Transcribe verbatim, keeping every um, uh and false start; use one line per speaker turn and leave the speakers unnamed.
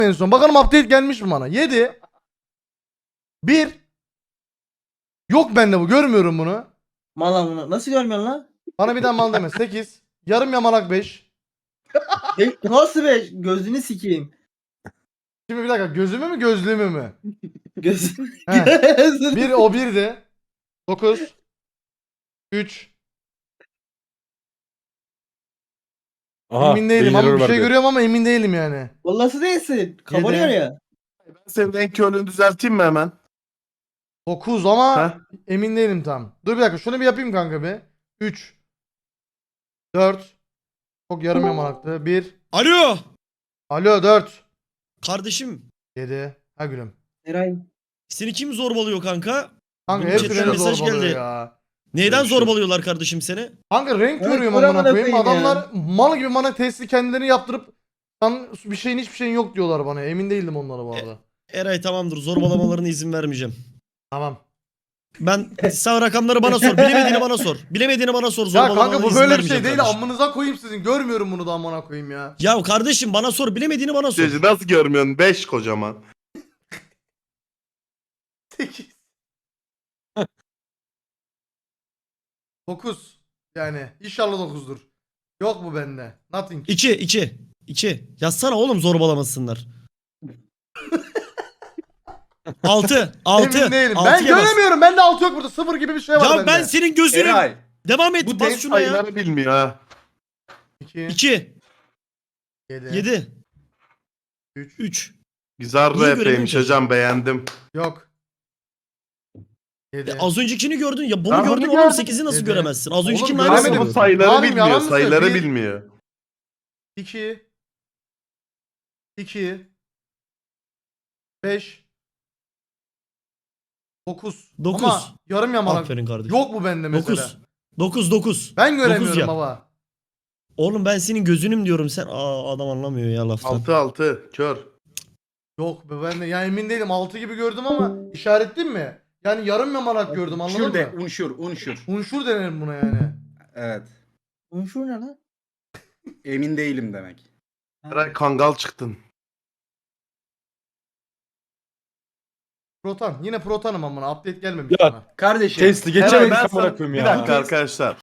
en son. Bakalım update gelmiş mi bana? yedi. bir. Yok bende bu. Görmüyorum bunu.
Mal bunu. Nasıl görmüyorsun lan?
Bana bir daha mal deme. sekiz. Yarım yamalak beş.
E, nasıl be? Gözünü sikeyim.
Şimdi bir dakika. Gözümü mü gözlüğümü mü?
Gözünü.
He.
Gözünü.
bir o birdi. dokuz. üç.
Aha,
Emin değilim
beyin
ama
error
bir şey
verdi.
görüyorum ama emin değilim yani.
Vallahi değilsin. Kabarıyor
Yedi.
ya.
Ben senin renk körlüğünü düzelteyim mi hemen?
dokuz ama
Ha?
emin değilim tam. Dur bir dakika şunu bir yapayım kanka bir. üç. dört. Çok yarım yamalaktı. bir.
Alo.
Alo dört.
Kardeşim.
yedi. Ha gülüm.
Eray.
Seni kim zorbalıyor kanka?
Kanka
Bunun
hepsi
chatten
beni
mesaj
zorbalıyor
geldi.
ya.
Neyden
Görüşürüz.
zorbalıyorlar kardeşim seni?
Kanka renk
Evet,
görüyorum
dur
amına
amına
koyayım.
koyayım ya.
Adamlar mal gibi bana testi kendilerini yaptırıp sen bir şeyin hiçbir şeyin yok diyorlar bana. Emin değildim onlara bu arada.
Eray tamamdır. Zorbalamalarına izin vermeyeceğim.
Tamam.
Ben sağ rakamları bana sor. Bilemediğini bana sor. Bilemediğini bana sor.
Ya
Zorbalamalarına
kanka bu
izin
böyle bir
vermeyeceğim
şey değil.
kardeşim.
Amınıza koyayım sizin. Görmüyorum bunu da amına koyayım ya.
Ya kardeşim bana sor. Bilemediğini bana sor.
Sözü nasıl görmüyorsun? beş kocaman.
sekiz. dokuz. Yani inşallah dokuzdur. Yok bu bende. Nothing.
İki, iki. İki. Yazsana oğlum zorbalamasınlar. Altı. Altı.
Emin değilim.
Altıya
Ben
bas.
göremiyorum. Bende altı yok burada. Sıfır gibi bir şey var
Ya
bende.
ben senin gözünüm.
Eray.
Devam et.
Bu
Bas
test
şuna ya.
sayıları bilmiyor ha.
iki.
İki.
yedi.
Yedi.
üç.
Üç.
Güzel
Niye
rapeymiş
göremiyorsun?
hocam, beğendim.
Yok. yedi.
Ya az öncekini gördün ya. Bunu
Ben
gördün
bunu
oğlum.
gördüm.
sekizi nasıl
Dedi.
göremezsin? Az
Oğlum
öncekinin
göremedim.
aynısını
Ama bu
gördün.
sayıları
Yalan
bilmiyor.
mı söylüyor?
Sayıları
Bir-
bilmiyor.
iki. iki. beş. dokuz.
Dokuz.
Ama yarım yamalak.
Aferin kardeşim.
Yok bu bende mesela.
Dokuz. Dokuz dokuz.
Ben
Dokuz
göremiyorum
yap.
baba.
Oğlum ben senin gözünüm diyorum sen. Aa adam anlamıyor ya laftan.
altı altı kör.
Yok be ben de ya emin değilim. altı gibi gördüm ama işaretleyeyim mi? Yani yarım yamalak gördüm anladın
Unşur de,
mı?
unşur, unşur.
Unşur denir buna yani.
Evet.
Unşur ne lan?
Emin değilim demek.
Eray kangal çıktın.
Protan. Yine protanım amına. Update gelmemiş
Ya,
bana.
Kardeşim.
Testi
Eray,
geçemedik
ben
amına
sana-
koyayım
Bir
ya.
dakika arkadaşlar.